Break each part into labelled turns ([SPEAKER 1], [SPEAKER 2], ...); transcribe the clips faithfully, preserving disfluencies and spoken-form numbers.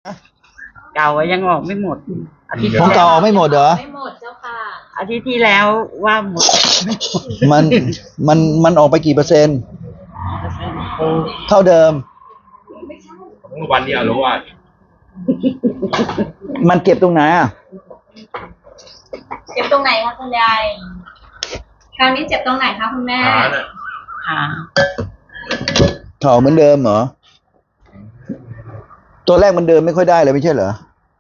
[SPEAKER 1] เก่ายังออกไม่หมดอาทิตย์
[SPEAKER 2] ของเก่าออกไม่หมดเหรอ
[SPEAKER 3] ไม่หมดเจ้าค่ะ
[SPEAKER 1] อาทิตย์ที่แล้วว่าหมด
[SPEAKER 2] มันมันมันออกไปกี่เปอร์เซ็นต์เท่าเดิม
[SPEAKER 4] วันนี้อารวาส
[SPEAKER 2] มันเก็บตรงไหนอ่ะ
[SPEAKER 3] เจ็บตรงไหนคะคุณยายคราวนี้เจ็บตรงไหนคะคุณแม่
[SPEAKER 4] ขาน่ะ
[SPEAKER 1] ขา
[SPEAKER 2] เข่าเหมือนเดิมเหรอตัวแรกมันเดินไม่ค่อยได้เลยไม่ใช่เหรอ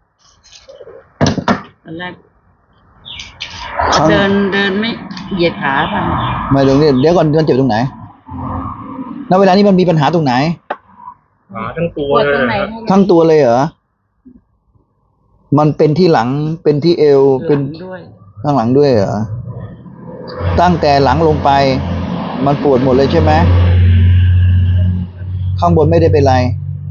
[SPEAKER 1] ตอนแรก
[SPEAKER 2] ครั้ง
[SPEAKER 1] เดินเดินไม่เหยียดขาท
[SPEAKER 2] ไม่เดี๋ยวนี้เดี๋ยวก่อนมันเจ็บตรงไหนณเวลานี้มันมีปัญหาตรงไหน
[SPEAKER 4] ขาทั้งตัว
[SPEAKER 3] ปวด
[SPEAKER 4] เล
[SPEAKER 3] ตรง
[SPEAKER 4] ย
[SPEAKER 3] ไหน
[SPEAKER 4] นะครับ
[SPEAKER 3] คะ
[SPEAKER 2] ทั้งตัวเลยเหรอมันเป็นที่หลังเป็นที่เอว
[SPEAKER 1] ำ
[SPEAKER 2] เป็น
[SPEAKER 1] หลังด้วย
[SPEAKER 2] ข้างหลังด้วยเหรอตั้งแต่หลังลงไป มันปวดหมดเลยใช่ไหมข้างบนไม่ได้เป็นไร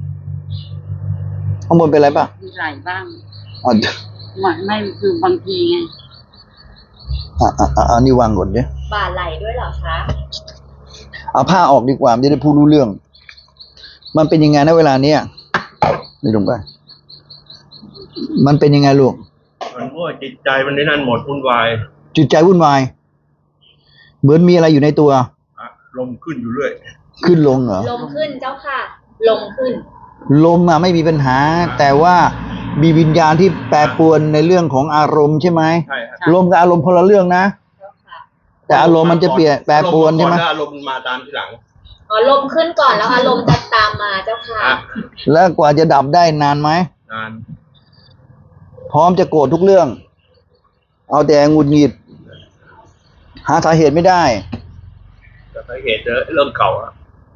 [SPEAKER 2] ข้างบนเป็นไรป่ะ
[SPEAKER 1] มีไหล่บ้าง
[SPEAKER 2] อ๋อ
[SPEAKER 1] ไม่ไม่คือบางทีไง
[SPEAKER 2] อ่ะอ่ะอ่ะอันนี้วางก่อนเนี่ย
[SPEAKER 3] บ่าไหลด้วยเหรอคะ
[SPEAKER 2] เอาผ้าออกดีกว่ามันจะได้พูดรู้เรื่อง มันเป็นยังไงนะเวลาเนี้ยนี่ลงไปมันเป็นยังไงลูก
[SPEAKER 4] มันว่าจิตใจมันนี่นั่นหมดวุ่นวาย
[SPEAKER 2] จิตใจวุ่นวายเหมือนมีอะไรอยู่ในตัว
[SPEAKER 4] อะลมขึ้นอยู่เรื่อย
[SPEAKER 2] ขึ้นลงเหรอ
[SPEAKER 3] ลมขึ้นเจ้าค่ะ ลมขึ้น
[SPEAKER 2] ลมอะไม่มีปัญหา แต่ว่ามีวิญญาณที่แปรปรวนในเรื่องของอารมณ์ใช่ไหม
[SPEAKER 4] ใช่ครับ
[SPEAKER 2] ลมกับอารมณ์คนละเรื่องนะ
[SPEAKER 3] เจ้าค่ะ
[SPEAKER 2] แต่อารมณ์มันจะเปลี่ยนแปรปรวนใช่ไหม
[SPEAKER 4] อารมณ์ก่อนแล้วอารมณ์มาตามทีหลัง
[SPEAKER 3] อ๋อลมขึ้นก่อนแล้วอารมณ์จะตามมาเจ้าค่ะ
[SPEAKER 4] อ่ะ
[SPEAKER 2] แล้วกว่าจะดับได้นานไหม
[SPEAKER 4] นาน
[SPEAKER 2] พร้อมจะโกรธทุกเรื่อง เอาแต่หงุดหงิด หาสาเหตุไม่ได้
[SPEAKER 4] แต่สาเหตุเรื่องเก่าอะ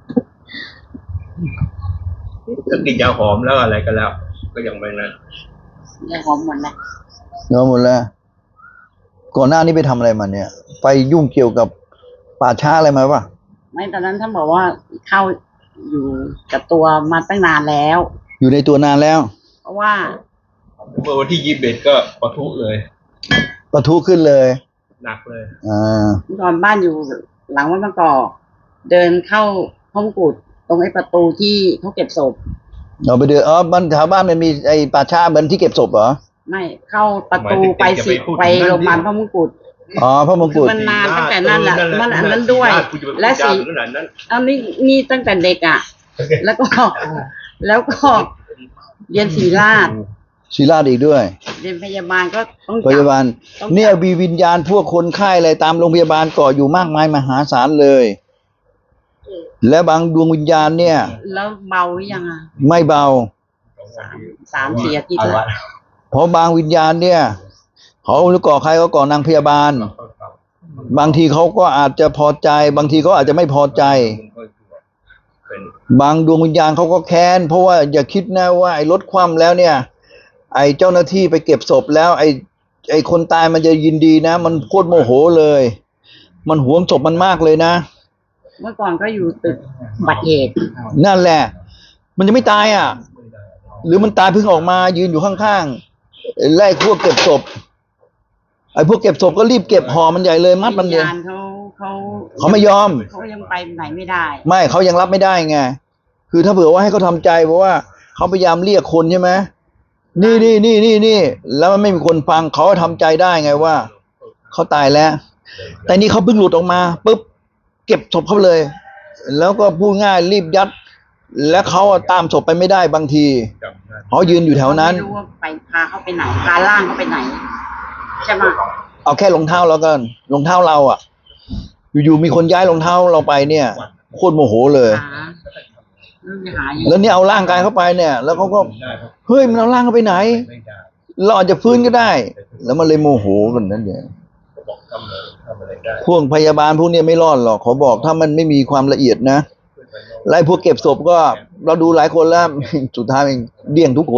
[SPEAKER 4] ถ้ากินยาหอมแล้วอะไรกันแล้ว ก็ยังไม่นั้น
[SPEAKER 1] ยาหอมหมดแล้ว
[SPEAKER 2] เนาะหมดแล้ว ก่อนหน้านี้ไปทำอะไรมาเนี่ย ไปยุ่งเกี่ยวกับป่าช้าอะไรมาปะ
[SPEAKER 1] ไม่ตอนนั้นท่านบอกว่าเข้าอยู่กับตัวมาตั้งนานแล้ว
[SPEAKER 2] อยู่ในตัวนานแล้ว
[SPEAKER 1] เพราะว่า
[SPEAKER 4] เมื่อวันที่ยี่สิบเอ็ดก็ปะทุเลย
[SPEAKER 2] ปะทุขึ้นเลย
[SPEAKER 4] หนักเลย
[SPEAKER 2] อ่า
[SPEAKER 1] ตอนบ้านอยู่หลังวัดบางกอกเดินเข้าห้องกุดตรงไอ้ประตูที่เขาเก็บศพ
[SPEAKER 2] เราไปเดืออ๋อบ้านแถวบ้านมันมีไอ้ป่าช้าเหมือนที่เก็บศพเหรอ
[SPEAKER 1] ไม่เข้าประตูไปสิไปโรงพยาบาลพระมงกุฎ
[SPEAKER 2] อ๋อพระมง
[SPEAKER 1] คื
[SPEAKER 2] กุ
[SPEAKER 1] อ
[SPEAKER 2] ฎ
[SPEAKER 1] มันนานตั้งแต่นั้นแหละมันอันนั้นด้วย และ
[SPEAKER 4] และ
[SPEAKER 1] สี
[SPEAKER 4] สีขนาดนั้น
[SPEAKER 1] อันนี้นี่ตั้งแต่เด็กอ่ะ แล้วก็ แล้วก็เรียนศรีราช
[SPEAKER 2] ศิลาดอีกด้วย
[SPEAKER 1] เรียนพยาบาลก็ต้อง
[SPEAKER 2] พยาบาล
[SPEAKER 1] ต้อง
[SPEAKER 2] เนี่ยมีวิญญาณพวกคนไข้อะไรตามโรงพยาบาลก่ออยู่มากมายมหาศาลเลย และบางดวงวิญญาณเนี่ย
[SPEAKER 1] แล้วเบาหรือยังอ่ะ
[SPEAKER 2] ไม่เบา
[SPEAKER 1] สามสามสี่อาทิตย์แล้ว
[SPEAKER 2] เพราะบางวิญญาณเนี่ยเขาหรือก่อใครก็ก่อนางพยาบาล บางทีเขาก็อาจจะพอใจ บางทีเขาอาจจะไม่พอใจ
[SPEAKER 4] เป็น
[SPEAKER 2] บางดวงวิญญาณเขาก็แค้นเพราะว่าอย่าคิดนะว่าไอ้รถคว่ำแล้วเนี่ย ไอ้เจ้าหน้าที่ไปเก็บศพแล้ว ไอ้ไอ้คนตายมันจะยินดีนะ มันโคตรโมโหเลย มันหวงศพมันมากเลยนะ
[SPEAKER 1] เมื่อก่อนก็อยู่ตึกบัตรเหตุ
[SPEAKER 2] นั่นแหละ มันยังไม่ตายอ่ะ หรือมันตายเพิ่งออกมายืนอยู่ข้างๆไล่พวกเก็บศพไอ้พวกเก็บศพก็รีบเก็บห่อมันใหญ่เลยมัดมัน
[SPEAKER 1] วิ
[SPEAKER 2] เล
[SPEAKER 1] ญ
[SPEAKER 2] ย
[SPEAKER 1] ญาณเขาเขา
[SPEAKER 2] เขาไม่ยอม
[SPEAKER 1] เขายังไปไหนไม่ได้
[SPEAKER 2] ไม่เขายังรับไม่ได้ไง คือถ้าเผื่อว่าให้เขาทำใจเพราะว่าเขาพยายามเรียกคนใช่ไหมนี่นี่นี่นี่นี่แล้วมันไม่มีคนฟังเขาก็ทำใจได้ไงว่าเขาตายแล้ว แต่นี่เขาเพิ่งหลุดออกมาปุ๊บเก็บศพเขาเลย แล้วก็พูดง่ายรีบยัด แล้วเขาอะตามศพไปไม่ได้บางที
[SPEAKER 4] จำได้
[SPEAKER 2] เขายืนอยู่แถวนั้น
[SPEAKER 1] ไม่รู้ว่าไปพาเขาไปไหนพาล่างเขาไปไหนใช่ไหม
[SPEAKER 2] เอาแค่รองเท้าแล้วกันรองเท้าเราอ่ะ อยู่ๆมีคนย้ายรองเท้าเราไปเนี่ยโคตรโมโหเลย
[SPEAKER 1] หาเรื่องหาอยู่
[SPEAKER 2] แล้วเนี่ยเอาร่างกายเข้าไปเนี่ย แล้วเขาก็
[SPEAKER 4] ได้ครับ
[SPEAKER 2] เฮ้ยมันเอาร่างเขาไปไหน
[SPEAKER 4] ไม่ได้
[SPEAKER 2] เราอาจจะฟื้นก็ได้ แล้วมันเลยโมโหกันนั่นเนี่ย
[SPEAKER 4] เขาบอกทำอะไรทำอะไรได้
[SPEAKER 2] พวกพยาบาลพวกเนี้ยไม่รอดหรอกขอบอกถ้ามันไม่มีความละเอียดนะ
[SPEAKER 4] ขึ้นไปโน่น
[SPEAKER 2] ไล่พวกเก็บศพก็ เราดูหลายคนแล้ว สุดท้ายมันเดี่ยงทุกคน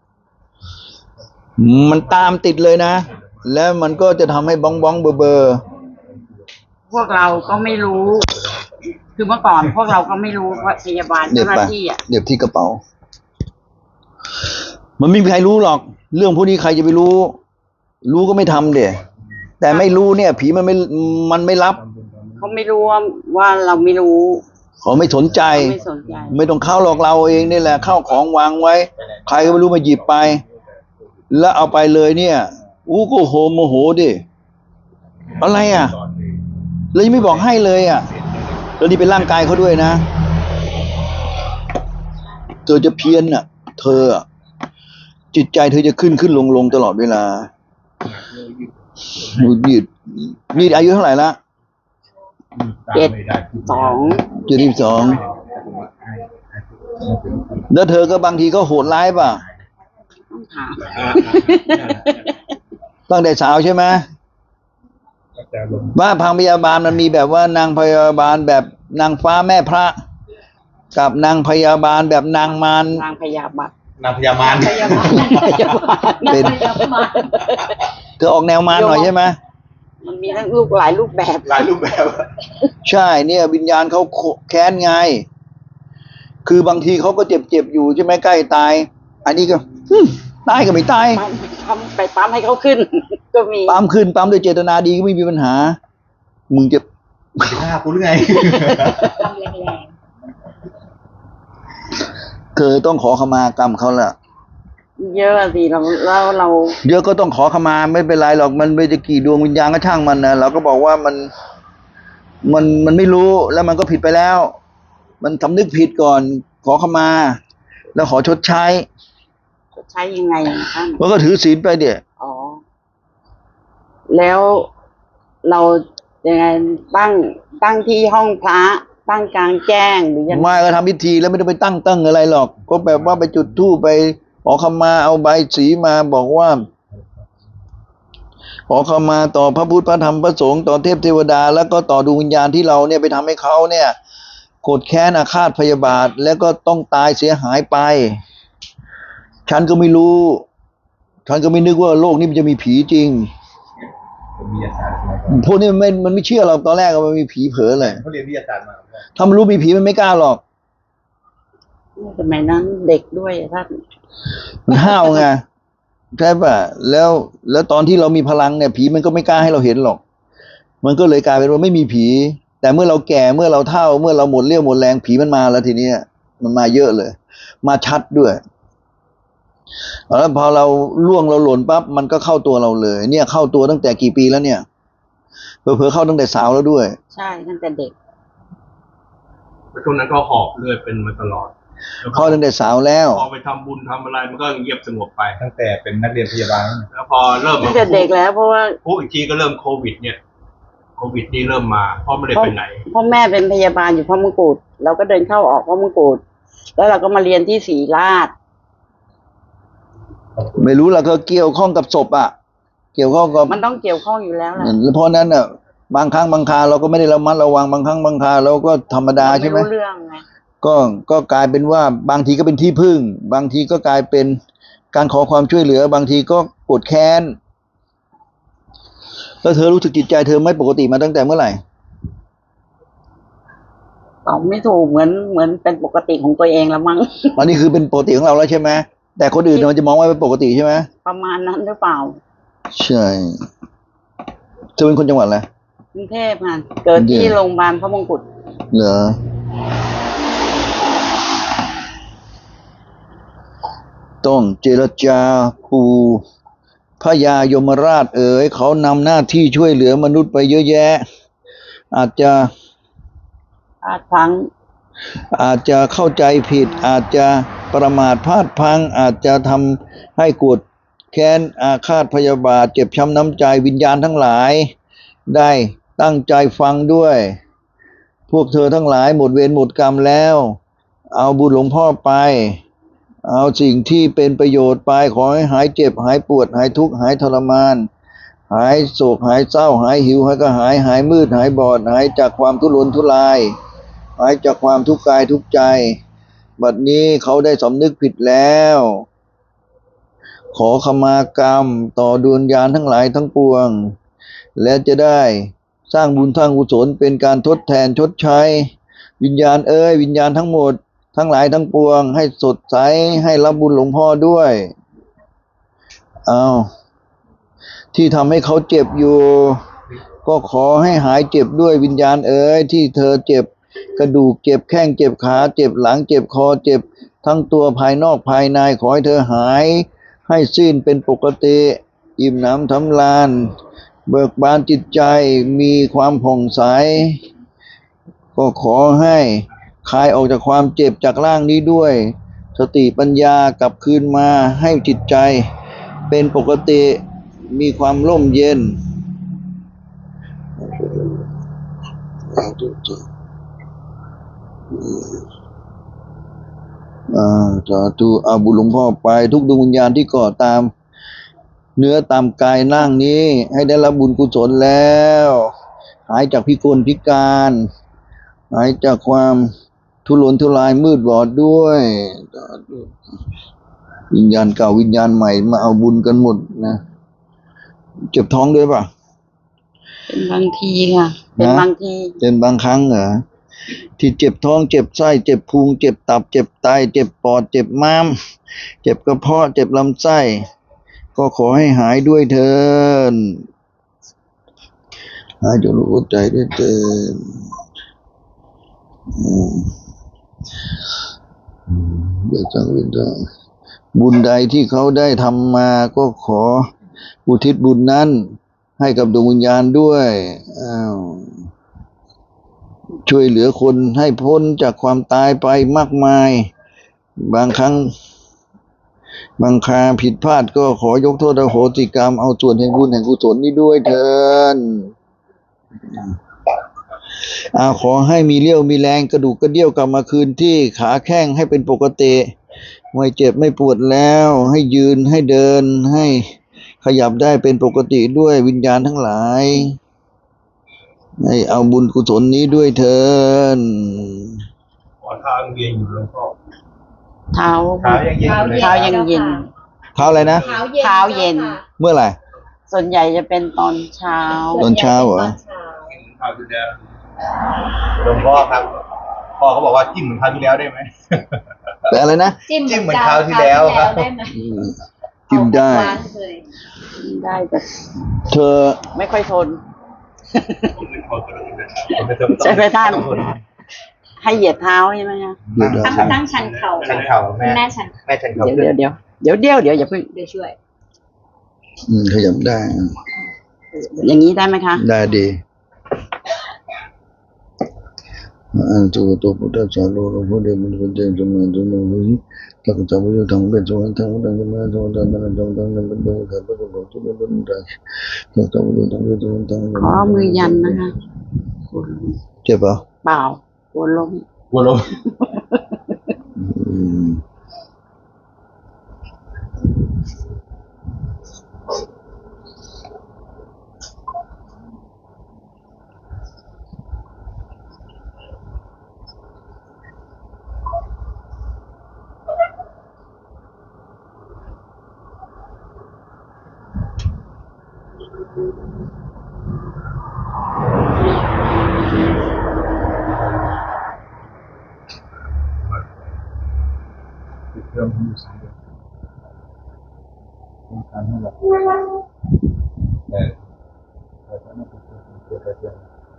[SPEAKER 2] มันตามติดเลยนะ แล้วมันก็จะทำให้บ้องบ้องเบอร์เบอร์
[SPEAKER 1] พวกเราก็ไม่รู้ คือเมื่อก่อนพวกเราก็ไม่รู้ว่าพยาบาล
[SPEAKER 2] เด็บ
[SPEAKER 1] เจ้าห
[SPEAKER 2] ไป
[SPEAKER 1] น้าที่อ่ะ
[SPEAKER 2] เด็บที่กระเป๋า มันไม่มีใครรู้หรอก เรื่องพวกนี้ใครจะไปรู้ รู้ก็ไม่ทำเดี๋ยแต่ไม่รู้เนี่ย ผีมันไม่มันไม่รับ
[SPEAKER 1] เขาไม่รู้ว่าว่าเราไม่รู้
[SPEAKER 2] เขาไม่สนใจ
[SPEAKER 1] ไม่สนใจ
[SPEAKER 2] ไม่ต้องเข้าหรอกเราเองนี่แหละเข้าของวางไว้ ใครก็ไม่รู้มาหยิบไป แล้วเอาไปเลยเนี่ยอู้ก็โหโมโหดิอะไรอ่ะแล้วยังไม่บอกให้เลยอ่ะแล้วนี่เป็นร่างกายเขาด้วยนะเธอจะเพี้ยนอ่ะ เธออะจิตใจเธอจะขึ้นขึ้นลงลงตลอดเวลานี่นี่อายุเท่าไหร่ละ
[SPEAKER 1] เจ็ดสอง
[SPEAKER 2] เจ็ดสิบสองแล้วเธอก็บางทีก็โหดร้ายป่ะ
[SPEAKER 1] ต้องถาม
[SPEAKER 2] ตั้งแต่สาวใช่ไหมว่าพังพยาบาลมันมีแบบว่านางพยาบาลแบบนางฟ้าแม่พระ กับนางพยาบาลแบบนางมาร
[SPEAKER 1] นางพยาบาล
[SPEAKER 4] นางพญามาร
[SPEAKER 1] พยาบาลพยาบาล
[SPEAKER 2] เป็นเธอออกแนวมารหน่อยใช่ไหม
[SPEAKER 1] มันมีทั้งลูกหลายรูปแบบ
[SPEAKER 4] หลายรูปแบบ
[SPEAKER 2] ใช่เนี่ย วิญญาณเขาแค้นไง คือบางทีเขาก็เจ็บเจ็บๆอยู่ใช่ไหมใกล้ตาย อันนี้ก็ฮึ่มตายก็ไม่ตาย
[SPEAKER 1] ปั๊มปั๊มไปปั๊มให้เขาขึ้น ก็มี
[SPEAKER 2] ปั๊มขึ้นปั๊มโดยเจตนาดีก็ไม่มีปัญหา มึงจะ
[SPEAKER 4] จะฆ่ากูหรือไง
[SPEAKER 3] ทำแรง
[SPEAKER 2] เธอต้องขอขมากรรมเขาละ
[SPEAKER 1] เยอะสิเราเราเรา
[SPEAKER 2] เดี๋ยวก็ต้องขอขมาไม่เป็นไรหรอกมันไม่จะกี่ดวงวิญญาณก็ช่างมันนะเราก็บอกว่ามันมันมันไม่รู้แล้วมันก็ผิดไปแล้ว มันสำนึกผิดก่อน ขอขมา แล้วขอชดใช้
[SPEAKER 1] ใช้ยังไงท่าน
[SPEAKER 2] มันก็ถือศีลไปเดี๋ย
[SPEAKER 1] อ๋อ แล้วเรายังไงตั้งตั้งที่ห้องพระตั้งกลางแจ้งหรือยังไง
[SPEAKER 2] ไม่ก็ทำพิธีแล้วไม่ต้องไปตั้งตั้งอะไรหรอก ก็แบบว่าไปจุดธูปไปขอขมาเอาใบสีมาบอกว่า ขอขมาต่อพระพุทธพระธรรมพระสงฆ์ต่อเทพเทวดา แล้วก็ต่อดวงวิญญาณที่เราเนี่ยไปทำให้เขาเนี่ยโกรธแค้นอาฆาตพยาบาท แล้วก็ต้องตายเสียหายไป ฉันก็ไม่รู้ ฉันก็ไม่นึกว่าโลกนี้มันจะมีผีจริง
[SPEAKER 4] วิทยาศาสตร์
[SPEAKER 2] พวกนี้มันไม่มันไม่เชื่อเราตอนแรกว่ามันมีผีเผลอเลย
[SPEAKER 4] เขาเรียนวิทยาศาสตร์มา
[SPEAKER 2] ถ้ามันรู้มีผีมันไม่กล้าหรอก
[SPEAKER 1] สมัยนั้นเด็กด้วยอะท่าน
[SPEAKER 2] มันห้าวไงใช่ป่ะแล้วแล้วตอนที่เรามีพลังเนี่ยผีมันก็ไม่กล้าให้เราเห็นหรอก มันก็เลยกลายเป็นว่าไม่มีผี แต่เมื่อเราแก่เมื่อเราเฒ่า เมื่อเราหมดเรี่ยวหมดแรงผีมันมาแล้วทีเนี้ยมันมาเยอะเลย มาชัดด้วยแล้วพอเราล่วงเราหล่นปั๊บมันก็เข้าตัวเราเลย เนี่ยเข้าตัวตั้งแต่กี่ปีแล้วเนี่ยเผลอๆเข้าตั้งแต่สาวแล้วด้วย
[SPEAKER 1] ใช่ตั้งแต่เด็ก
[SPEAKER 4] ช่วงนั้นก็หอบเลือดเป็นมาตลอด
[SPEAKER 2] เข้าตั้งแต่สาวแล้ว
[SPEAKER 4] พอไปทำบุญทำอะไรมันก็เงียบสงบไป
[SPEAKER 5] ตั้งแต่เป็นนักเรียนพยาบาล
[SPEAKER 4] แล้วพอเริ่ม
[SPEAKER 1] ตั้งแต่เด็กแล้วเพราะว่า
[SPEAKER 4] พูดอีกทีก็เริ่มโควิด เนี่ยโควิดนี่เริ่มมาเพราะไม่ได้ไปไหน
[SPEAKER 1] พ่อแม่เป็นพยาบาลอยู่พ่อมงกุฎเราก็เดินเข้าออกพ่อมงกุฎแล้วเราก็มาเรียนที่ศรีราช
[SPEAKER 2] ไม่รู้เราก็เกี่ยวข้องกับศพอ่ะ เกี่ยวข้องกับ
[SPEAKER 1] มันต้องเกี่ยวข้องอยู่แล้วแหละ
[SPEAKER 2] เพราะนั้นอ่ะบางครั้งบางคราเราก็ไม่ได้ระมัดระวังบางครั้งบางคราเราก็ธรรมดา
[SPEAKER 1] เรา
[SPEAKER 2] ใช่
[SPEAKER 1] ไม่
[SPEAKER 2] ไหม
[SPEAKER 1] รู้เรื่องไง
[SPEAKER 2] ก็ก็กลายเป็นว่าบางทีก็เป็นที่พึ่ง บางทีก็กลายเป็นการขอความช่วยเหลือ บางทีก็โกรธแค้นแล้วเธอรู้สึกจิตใจเธอไม่ปกติมาตั้งแต่เมื่อไหร่
[SPEAKER 1] ตอบไม่ถูกเหมือนเหมือนเป็นปกติของตัวเองละมั้ง
[SPEAKER 2] อันนี้คือเป็นปกติของเราแล้วใช่ไหมแต่คนอื่นมันจะมองว่าเป็นปกติใช่ไหม
[SPEAKER 1] ประมาณนั้นหรือเปล่า
[SPEAKER 2] ใช่เธอเป็นคนจังหวัดอะไร
[SPEAKER 1] กรุงเทพค่ะเกิดที่โรงพยาบาลพระมงกุฎ
[SPEAKER 2] เหรอต้องเจรจาปูพญายมราชเอ๋ยเขานำหน้าที่ช่วยเหลือมนุษย์ไปเยอะแยะ อาจจะ
[SPEAKER 1] พลาดพลั้ง
[SPEAKER 2] อาจจะเข้าใจผิด อาจจะประมาทพลาดพลั้ง อาจจะทำให้โกรธแค้นอาฆาตพยาบาท เจ็บช้ำน้ำใจวิญญาณทั้งหลาย ได้ตั้งใจฟังด้วย พวกเธอทั้งหลายหมดเวรหมดกรรมแล้ว เอาบุญหลวงพ่อไป เอาสิ่งที่เป็นประโยชน์ไป ขอให้หายเจ็บหายปวดหายทุกข์หายทรมาน หายโศกหายเศร้าหายหิวหายกระหายหายมืดหายบอดหายจากความทุรนทุรายหายจากความทุกข์กายทุกข์ใจ บัดนี้เขาได้สำนึกผิดแล้ว ขอขมากรรมต่อดวงวิญญาณทั้งหลายทั้งปวง และจะได้สร้างบุญสร้างกุศลเป็นการทดแทนชดใช้ วิญญาณเอ้ยวิญญาณทั้งหมดทั้งหลายทั้งปวงให้สดใสให้รับบุญหลวงพ่อด้วยเอาที่ทำให้เขาเจ็บอยู่ ก็ขอให้หายเจ็บด้วยวิญญาณเอ้ยที่เธอเจ็บกระดูกเจ็บแข้งเจ็บขาเจ็บหลังเจ็บคอเจ็บทั้งตัวภายนอกภายในขอให้เธอหายให้สิ้นเป็นปกติอิ่มหนำทำลานเบิกบานจิตใจมีความผ่องใสก็ขอให้คลายออกจากความเจ็บจากร่างนี้ด้วยสติปัญญากลับคืนมาให้จิตใจเป็นปกติมีความร่มเย็นอ่าสาธุอาบุญหลวงพ่อไปทุกดวงวิญญาณที่ก่อตามเนื้อตามกายร่างนี้ให้ได้รับบุญกุศลแล้วหายจากพิกลพิการหายจากความทุรนทุรายมืดบอดด้วยสาธุวิญญาณเก่าวิญญาณใหม่มาเอาบุญกันหมดนะเจ็บท้องด้วยป่ะ
[SPEAKER 1] เป็นบางทีค่ะ เป็น
[SPEAKER 2] นะ
[SPEAKER 1] บางที
[SPEAKER 2] เป็นบางครั้งเหรอที่เจ็บท้องเจ็บไส้เจ็บพุงเจ็บตับเจ็บไตเจ็บปอดเจ็บม้ามเจ็บกระเพาะเจ็บลำไส้ก็ขอให้หายด้วยเถิดหายจนรู้ใจด้วยเถิดอืมอืมเดี๋ยวจังวิญญาณบุญใดที่เขาได้ทำมาก็ขออุทิศบุญนั้นให้กับดวงวิญญาณด้วยอ้าวช่วยเหลือคนให้พ้นจากความตายไปมากมายบางครั้งบางคราผิดพลาดก็ขอยกโทษอโหสิกรรมเอาส่วนแห่งบุญแห่งกุศลนี้ด้วยเถิดอาขอให้มีเรี่ยวมีแรงกระดูกกระเดี่ยวกลับมาคืนที่ขาแข้งให้เป็นปกติไม่เจ็บไม่ปวดแล้วให้ยืนให้เดินให้ขยับได้เป็นปกติด้วยวิญญาณทั้งหลายให้เอาบุญกุศลนี้ด้วยเถิด
[SPEAKER 4] ขอทางเวียนอยู่หลวงพ่อ
[SPEAKER 1] เท้า
[SPEAKER 5] เท้ายังเย็นอยู่เลย
[SPEAKER 1] เท้ายังเย็น
[SPEAKER 2] เท้าอะไรนะ
[SPEAKER 3] เท้าเย็น
[SPEAKER 1] เท้าเย็น
[SPEAKER 3] จ้าค่ะ
[SPEAKER 2] เมื่อไหร่
[SPEAKER 1] ส่วนใหญ่จะเป็นตอนเช้า
[SPEAKER 2] ตอนเช้าเหรอ
[SPEAKER 3] ตอนเช้า
[SPEAKER 4] คราวที่แล้ว
[SPEAKER 5] หลวงพ่อครับพ่อเขาบอกว่าจิ้มเหมือนคราวที่แล้วได้ไหม
[SPEAKER 2] แต่อะไรนะ
[SPEAKER 3] จิ้ม
[SPEAKER 5] จิ้มเหมือนคราวที่แล้วครับ
[SPEAKER 3] ได้ไหม
[SPEAKER 2] จิ้มได้
[SPEAKER 3] เอาหวานเลย
[SPEAKER 1] ได้แต่
[SPEAKER 2] เธอ
[SPEAKER 1] ไม่ค่อยทน
[SPEAKER 5] ไม่ต้อง
[SPEAKER 1] ใช่ไหมท่าน ให้เหยียดเท้าใช่ไหมคะ
[SPEAKER 2] เดี๋ยว
[SPEAKER 3] ตั้งตั้งชันเข่า
[SPEAKER 5] ชันเข่าแม่
[SPEAKER 3] แม่ชัน
[SPEAKER 5] แม่ชันเข่า
[SPEAKER 1] เดี๋ยวเดี๋ยวเดี๋ยวเดี๋ยวเดี๋ยวเดี๋ยวอย่าเพิ่ง
[SPEAKER 3] เดี๋ยวช่วย
[SPEAKER 2] อืมขยับได้
[SPEAKER 1] อย่างนี้ได้ไหมคะ
[SPEAKER 2] ได้ดีอันตัวตัวพุทธศาสนาหลวงพ่อเดียวมันเป็นเจ้าสมัยตัวนู้นถ้าก็จะไปอยู่ทางเป็นสวรรค์ทางนั้นจะมาทางนั้นทางนั้นทางนั้นเป็นเรื่องการประกอบที่เป็นเรื่องใดถ้าจะไปอยู่ทางเป็นสวรรค์ทางนั้น
[SPEAKER 1] ขอมือยันนะคะ
[SPEAKER 2] เจ็บปะ
[SPEAKER 1] เปล่าปวดลม
[SPEAKER 4] วัวลม
[SPEAKER 2] อืม
[SPEAKER 5] เครื่องมือสายต้องการให้เราเออเราต้องมาเกิดเกิด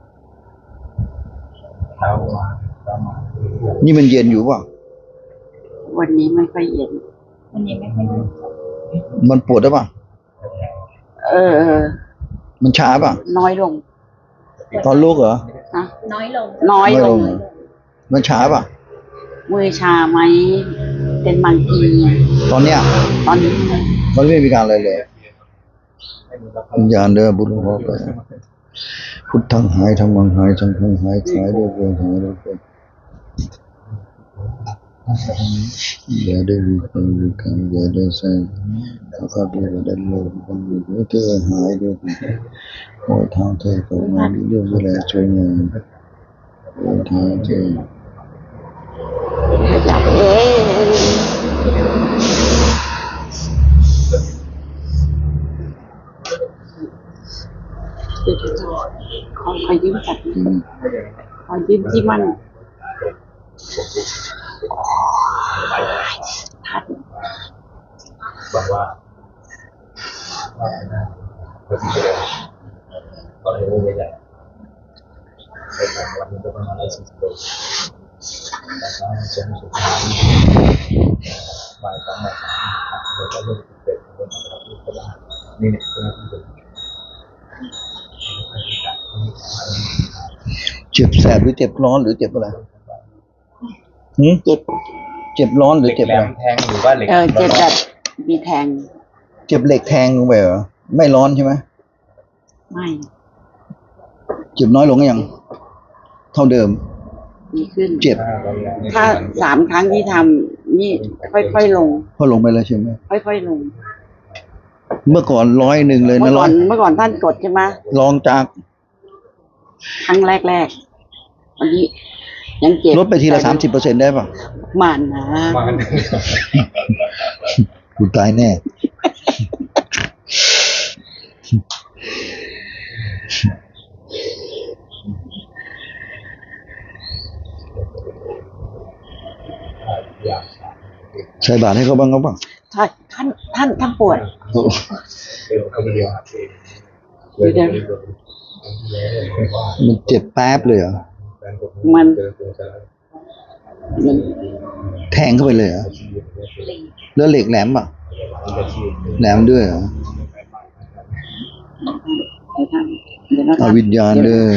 [SPEAKER 5] เท้ามาเท้ามา
[SPEAKER 2] นี่มันเย็นอยู่ป่ะ
[SPEAKER 1] วันนี้ไม่ค่อยเย็น
[SPEAKER 3] วันนี้ไม่ค่อยดี
[SPEAKER 2] มันปวดได้ป่ะ
[SPEAKER 1] เออเออ
[SPEAKER 2] มันช้าป่ะ
[SPEAKER 1] น้อยลง
[SPEAKER 2] ตอนลุกเหรอ
[SPEAKER 1] นะ
[SPEAKER 3] น้อยลง
[SPEAKER 1] น้อยลง
[SPEAKER 2] น้อยลง มันช้าป่ะ
[SPEAKER 1] มือชาไหมเป็นบางที
[SPEAKER 2] ตอนเนี้ย
[SPEAKER 1] ตอนนี้
[SPEAKER 2] มันไม่มีการอะไรเลยวิญญาณเด้อบุญหลวงพ่อไปพุทธังหายธรรมังหายสังฆังหายขายด้วยเกินหายด้วยเกินอย่าได้วิปังวิกังอย่าได้ใส่ข้าพเจ้าได้โลภกันวิเธอหายด้วยขอทางเธอกับมาดีเรื่องเวลาช่วยงานขอทางเธอ
[SPEAKER 1] อยากเอ๊ขอขอยืมจัด
[SPEAKER 2] อืม
[SPEAKER 1] ขอยืมที่มันทัด
[SPEAKER 5] บอกว่าว่านะก็ที่เดียวก็เลยไม่ใหญ่ไปต่างวันมันก็ประมาณร้อยสี่สิบโลแต่ถ้าเช้าสุดบ่ายสองบ่ายสามเราก็เริ่มเป็นเริ่มทำที่ก็ได้นี่เนี่ยคือที่เป็น
[SPEAKER 2] เจ็บแสบหรือเจ็บร้อนหรือเจ็บอะไรหืม
[SPEAKER 1] เจ็บ
[SPEAKER 2] เจ็บร้อนหรือ
[SPEAKER 5] เหล็ก
[SPEAKER 2] เจ็บ
[SPEAKER 5] แหล
[SPEAKER 2] อะไร
[SPEAKER 5] มแทงหรือว่าเหล็ก
[SPEAKER 1] เออเจ็บแบบมีแทง
[SPEAKER 2] เจ็บเหล็กแทงลงไปเหรอไม่ร้อนใช่ไหม
[SPEAKER 1] ไม่
[SPEAKER 2] เจ็บน้อยลงหรือยังเท่าเดิม
[SPEAKER 1] ดีขึ้น
[SPEAKER 2] เจ็บ
[SPEAKER 1] ถ้าสามครั้งที่ทำนี่ค่อยๆลง
[SPEAKER 2] พอลงไปแล้วใช่ไหม
[SPEAKER 1] ค่อยๆลง
[SPEAKER 2] เมื่อก่อนร้อยหนึ่งเลย
[SPEAKER 1] เมื่
[SPEAKER 2] นะ
[SPEAKER 1] อ
[SPEAKER 2] ร้
[SPEAKER 1] ก่
[SPEAKER 2] อ
[SPEAKER 1] อย นเมื่อก่อนท่านกดใช่ไหม
[SPEAKER 2] ลองจาก
[SPEAKER 1] ครั้งแรกๆวันนี้ยังเจ็บ
[SPEAKER 2] ลดไปทีละสามสิบเปอร์เซ็นได้ป่ะ
[SPEAKER 1] หมันนะ
[SPEAKER 5] มาหนึ่ง
[SPEAKER 2] กูตายแน่
[SPEAKER 5] อย่าง
[SPEAKER 2] ใส่บาตรให้เขาบ้างเขาบ้าง
[SPEAKER 1] ใช่ท่านท่านท่านปวด
[SPEAKER 5] เดี๋ยวเขาไปเรียน
[SPEAKER 1] เดี๋ยว
[SPEAKER 2] มันเจ็บแป๊บเลยเหรอ
[SPEAKER 1] มันมัน
[SPEAKER 2] แทงเข้าไปเลยเหรอแล้วเหล็กแหลมป่ะแหลมด้วยเหรอ
[SPEAKER 1] เดี๋ยวท่านเดี๋ยวนะ
[SPEAKER 2] เอา
[SPEAKER 1] ท่าน
[SPEAKER 2] วิญญาณด้วย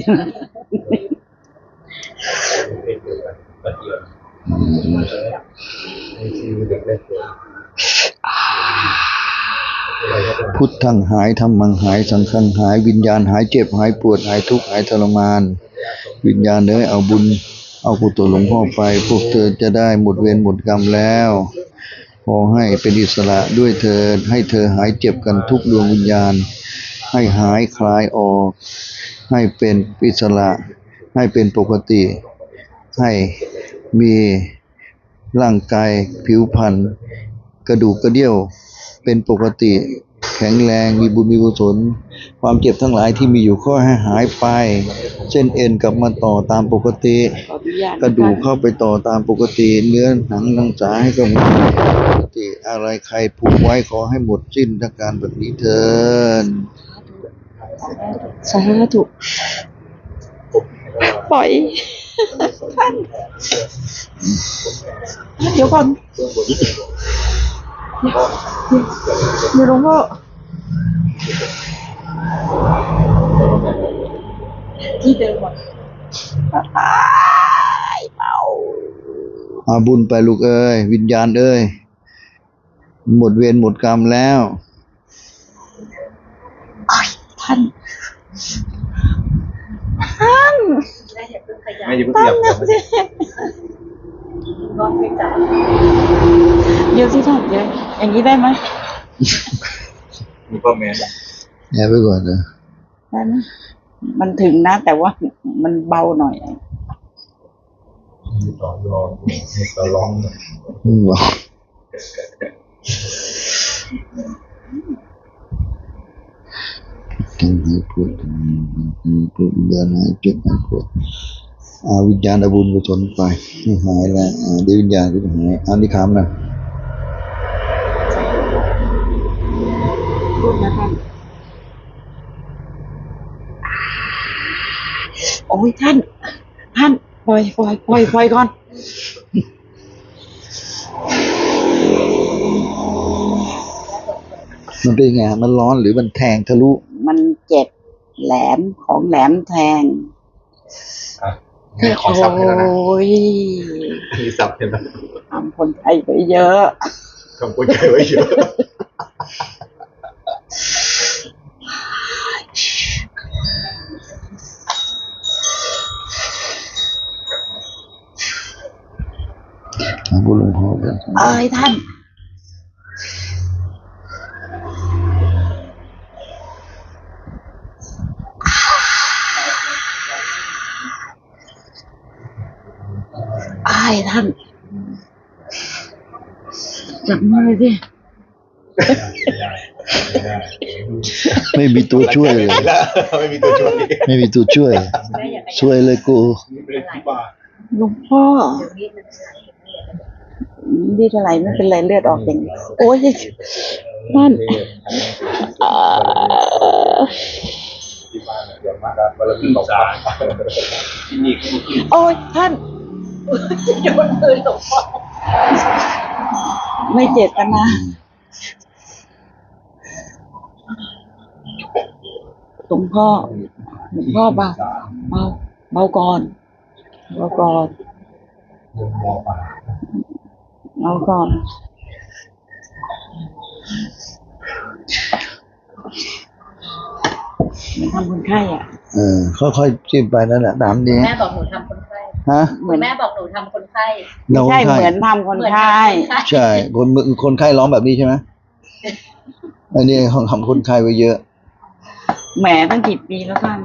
[SPEAKER 2] อืมพุทธังหายธรรมังหายสังฆังหายวิญญาณหายเจ็บหายปวดหายทุกข์หายทรมานวิญญาณเอ้ยเอาบุญเอากุศลหลวงพ่อไปพวกเธอจะได้หมดเวรหมดกรรมแล้วขอให้เป็นอิสระด้วยเธอให้เธอหายเจ็บกันทุกดวงวิญญาณให้หายคลายออกให้เป็นอิสระให้เป็นปกติให้มีร่างกายผิวพรรณกระดูกกระเดี่ยวเป็นปกติแข็งแรงมีบุญมีกุศลความเจ็บทั้งหลายที่มีอยู่ก็ให้หายไปเส้นเอ็นกลับมาต่อตามปกติ
[SPEAKER 1] ขออนุญาต
[SPEAKER 2] กระดูกเข้าไปต่อตามปกติเนื้อหนังนังสาให้กับปกติอะไรใครผูกไว้ขอให้หมดสิ้นอาการแบบนี้เถิด
[SPEAKER 1] สาธุปล่อยท่านเดี๋ยวก่อนเดี๋ยวหลวงพ่อที่เดิมอ่ะตายเมา
[SPEAKER 2] อาบุญไปลูกเอ้ยวิญญาณเอ้ยหมดเวรหมดกรรมแล้ว
[SPEAKER 1] ท่านท่าน
[SPEAKER 5] ไม่ยืม
[SPEAKER 1] ท่า
[SPEAKER 5] เสีย
[SPEAKER 1] น
[SPEAKER 5] บ
[SPEAKER 1] นะสิเดี๋ยวสิท่านเดี๋ยวอย่างนี้ได้ไหม
[SPEAKER 5] มีพ่อแม่
[SPEAKER 2] แอบไปก่อนนะ
[SPEAKER 1] ได้ไหมมันถึงนะ แต่ว่ามันเบาหน่อย
[SPEAKER 5] มีต่อรองมีต่อรอง
[SPEAKER 2] ไม่บอกทั้งหายปวดทั้งปวดวิญญาณหายเจ็บหายปวดอาวิญญาณเอาบุญกุศลไปให้หายแล้วอ่าเดี๋ยววิญญาณก็จะหายอันนี้คำนะ
[SPEAKER 1] พูดนะท่านโอ้ยท่าน ท่านปล่อยปล่อยปล่อยปล่อยก่อน
[SPEAKER 2] มันเป็นไงมันร้อนหรือมันแทงทะลุ
[SPEAKER 1] มันเจ็บแหลมของแหลมแทง
[SPEAKER 5] ขอซับให้แล้วนะ
[SPEAKER 1] โอ้ย
[SPEAKER 5] มีซับให้แล้ว
[SPEAKER 1] ทำคนไทยไปเยอะ
[SPEAKER 5] คำพูดใจไว้เยอะ
[SPEAKER 2] อาบุญหลวงพ่อไป
[SPEAKER 1] เอ้ยท่าน อายท่านจับมือสิ
[SPEAKER 2] ไม่มีตัวช่วยเลย
[SPEAKER 5] ไม่มีตัวช่วย
[SPEAKER 2] ไม่มีตัวช่วย ช่วยเลยกู
[SPEAKER 1] หลวงพ่อนี่เท่าไหร่ไม่เป็นไรเลือดออกอย่างนี้โอ้ยนั่นอ่า
[SPEAKER 5] บ้านเดี๋ยวมากครับวันละ
[SPEAKER 4] ขึ้
[SPEAKER 5] ที่
[SPEAKER 4] น
[SPEAKER 5] ตก
[SPEAKER 4] ศาลที่นี่ก็ขึ้น
[SPEAKER 1] โอ้ยท่าน
[SPEAKER 3] โยนปืนหลวงพ่อ
[SPEAKER 1] ไม่เจตนาหลวงพ่อหลวงพ่อเบาเบาเบาก่อนเบาก่อน
[SPEAKER 5] มุมมองป่า
[SPEAKER 1] เบาก่อนมันทำคนไข้อ่ะ
[SPEAKER 2] เออค่อยๆจิ้มไปนั่นแหละตามนี้
[SPEAKER 3] แม่บอกหนูทำคนไข้
[SPEAKER 2] ฮะ
[SPEAKER 1] เหมือน
[SPEAKER 3] แม่บอกหนูทำคนไข้
[SPEAKER 1] ไม่ใช่
[SPEAKER 2] เราคนไข้
[SPEAKER 1] เหมือนทำคนไข้
[SPEAKER 2] ใช่คนคนไข้ร้องแบบนี้ใช่ไหมอันนี้เขาทำคนไข้ไว้เยอะ
[SPEAKER 1] แหมตั้งกี่ปีแล้วท่าน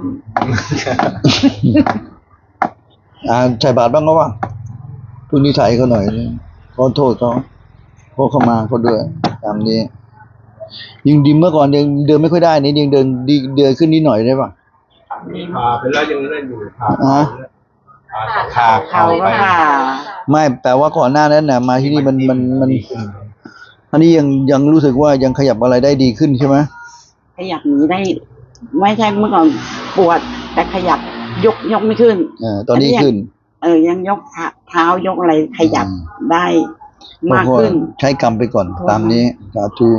[SPEAKER 2] อ่าใส่บาตรบ้างก็ว่าพรุ่งนี้ถ่ายเขาหน่อยนึงขอโทษเขาขอเข้ามาเขาด้วยตามนี้ยิงดิมเมื่อก่อนยังเดินไม่ค่อยได้นี่ยังเดินดีเดินขึ้นนิดหน่อยได้ป่ะ
[SPEAKER 4] พาไปแล้วยังเล่นอยู่พา
[SPEAKER 2] ฮะ
[SPEAKER 4] พา
[SPEAKER 5] ขา
[SPEAKER 1] เขาก็ค่ะ
[SPEAKER 2] ไม่แต่ว่าก่อนหน้านั้นน่ะมาที่นี่มันมันมัน
[SPEAKER 5] ดีขึ้น
[SPEAKER 2] อันนี้ยังยังรู้สึกว่ายังขยับอะไรได้ดีขึ้นใช่ไหม
[SPEAKER 1] ขยับหนีได้ ไม่ใช่เมื่อก่อนปวด แต่ขยับยกยกไม่ขึ้น
[SPEAKER 2] เออตอนนี้ขึ้น
[SPEAKER 1] เออ ยังยกเท้าเท้ายกอะไรขยับได้มากขึ้น
[SPEAKER 2] เพราะว่าใช้กรรมไปก่อนตามนี้สาธุ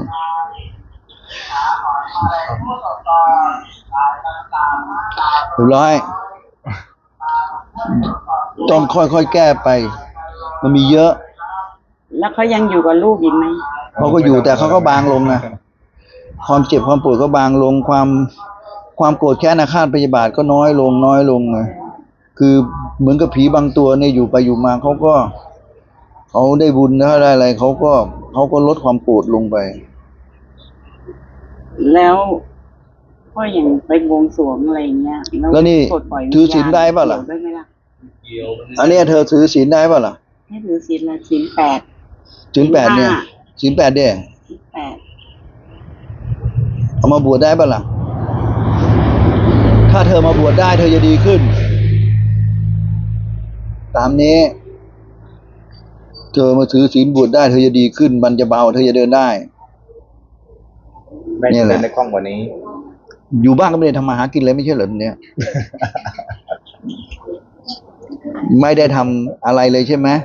[SPEAKER 2] เรียบร้อยต้องค่อยๆแก้ไป มันมีเยอะ
[SPEAKER 1] แล้วเขายังอยู่กับลูกอีกไหม
[SPEAKER 2] เขาก็อยู่แต่เขาก็บางลงนะความเจ็บความปวดก็บางลงความความโกรธแค้นอาฆาตพยาบาทก็น้อยลงน้อยลงนะคือเหมือนกับผีบางตัวเนี่ยอยู่ไปอยู่มาเขาก็เขาได้บุญแล้วได้อะไรเขาก็เขาก็ลดความโกรธลงไป
[SPEAKER 1] แล้วก็อย่างไปบวงสรวงอะไรอย่างเงี้ย
[SPEAKER 2] แล้วนี่
[SPEAKER 1] ปลดปล่ย
[SPEAKER 2] ถือศีลได้ป่ะล่ะ
[SPEAKER 1] เกี่ยวด้วยไหมล่ะ
[SPEAKER 4] เกี่ยว
[SPEAKER 2] อันเนี้ยเธอถือศีลได้ป่ะล่ะ
[SPEAKER 1] ให้ถือศีลละศีลแปด
[SPEAKER 2] ศีลแปดเนี่ยศีลแปดเนี่ย
[SPEAKER 1] ศีลแปด
[SPEAKER 2] เอามาบวชได้ป่ะล่ะถ้าเธอมาบวชได้เธอจะดีขึ้น ตามนี้ เธอมาถือศีลบวชได้เธอจะดีขึ้นมันจะเบาเธอจะเดินได้
[SPEAKER 5] แม่
[SPEAKER 2] เนี่ย
[SPEAKER 5] จะ
[SPEAKER 2] แหละ
[SPEAKER 5] เล่นในกล้องวันนี้
[SPEAKER 2] อยู่บ้านก็ไม่ได้ทำมาหากินเลยไม่ใช่เหรอเนี่ย ไม่ได้ทำอะไรเลยใช่ไหม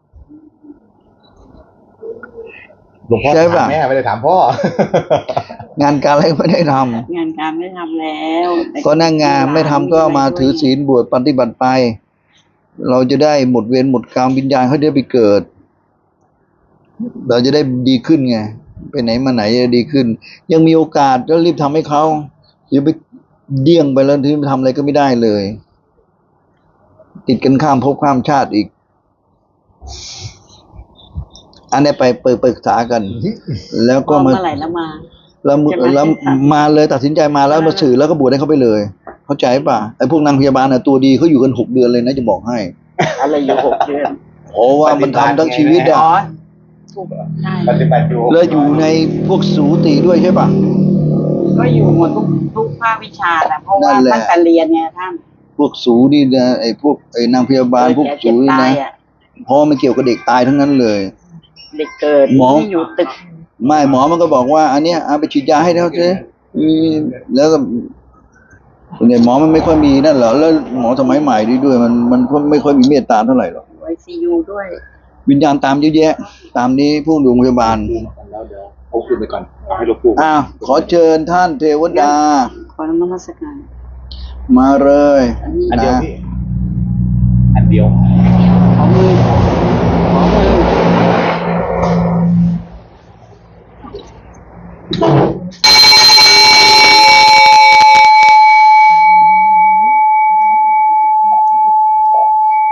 [SPEAKER 5] หลวงพ่อ
[SPEAKER 2] ใช่
[SPEAKER 5] ถา
[SPEAKER 2] ป่ะ
[SPEAKER 5] มแม่ไม่ได้ถามพ่อ
[SPEAKER 2] งานการอะไรก็ไม่ได้ทำ
[SPEAKER 1] งานการไม่ทำแล้วแต่
[SPEAKER 2] ก็นั่งงานไม่ทำก็มาถือศีลบวชปฏิบัติไป เราจะได้หมดเวรหมดกรรมวิญญาณเขาได้ไปเกิด เราจะได้ดีขึ้นไงไปไหนมาไหนจะดีขึ้น ยังมีโอกาสก็รีบทำให้เขาอย่าไปเดี่ยงไปแล้วที่ทำอะไรก็ไม่ได้เลย ติดกันข้ามภพข้ามชาติอีก อันนี้ไปเปิดปรึกษากัน แล้วก็
[SPEAKER 1] ก็
[SPEAKER 2] มา
[SPEAKER 1] เมื่อไหร่แล้วมา
[SPEAKER 2] แล้ว
[SPEAKER 1] ใช่ไหม
[SPEAKER 2] แล้วมาเลยตัดสินใจมาแล้วมาสื่อแล้วก็บวชให้เขาไปเลย เข้าใจป่ะไอ้พวกนางพยาบาลน่ะตัวดีเขาอยู่กันหกเดือนเลยนะจะบอกให้
[SPEAKER 1] อะไรอยู่หกเดือน
[SPEAKER 2] เพราะว่ามันทำทั้งชีวิต
[SPEAKER 1] อ๋
[SPEAKER 2] อ่ะ
[SPEAKER 1] อถูกใช่
[SPEAKER 5] ปฏิบัติอยู่
[SPEAKER 2] แล้วอยู่ในพวกสูติด้วยใช่ป่ะ
[SPEAKER 1] ก็อยู่หมดทุกทุกภาควิชาแหละเพราะว่า
[SPEAKER 2] นั่นแหละ
[SPEAKER 1] ตั้งแต่เรียนไงท่าน
[SPEAKER 2] พวกสูนี่นะไอ้พวกไอ้นางพยาบาลพวก
[SPEAKER 1] เกิด
[SPEAKER 2] สู
[SPEAKER 1] แก่เจ็บ
[SPEAKER 2] นี่
[SPEAKER 1] ตาย
[SPEAKER 2] นะ
[SPEAKER 1] อ่ะ
[SPEAKER 2] เพราะมันเกี่ยวกับเด็กตายทั้งนั้นเลย
[SPEAKER 1] เด็กเกิด
[SPEAKER 2] หมอ
[SPEAKER 1] ที่อยู่ตึก
[SPEAKER 2] ไม่หมอมันก็บอกว่า อันเนี้ยเอาไปฉีดยาให้เขาสิอืมแล้วก็เนี่ยหมอมันไม่ค่อยมีนั่นเหรอแล้วหมอสมัยใหม่ดีด้วย มันมันไม่ค่อยมีเมตตาเท่าไหร่หรอก
[SPEAKER 1] ไอซียูด้วย
[SPEAKER 2] วิญญาณตามเยอะแยะ ตามนี้ผู้โรงพยาบาล
[SPEAKER 5] แล้วเดี๋ยวเอาคืนไปก่อนเอาให้หลวงปู่
[SPEAKER 2] อ้าวขอเชิญท่านเทวดา
[SPEAKER 1] ขอนมัสการ
[SPEAKER 2] มาเลย
[SPEAKER 5] อันเดียว
[SPEAKER 2] นะ
[SPEAKER 5] พี่อันเดียว
[SPEAKER 1] ขอมือขอมือ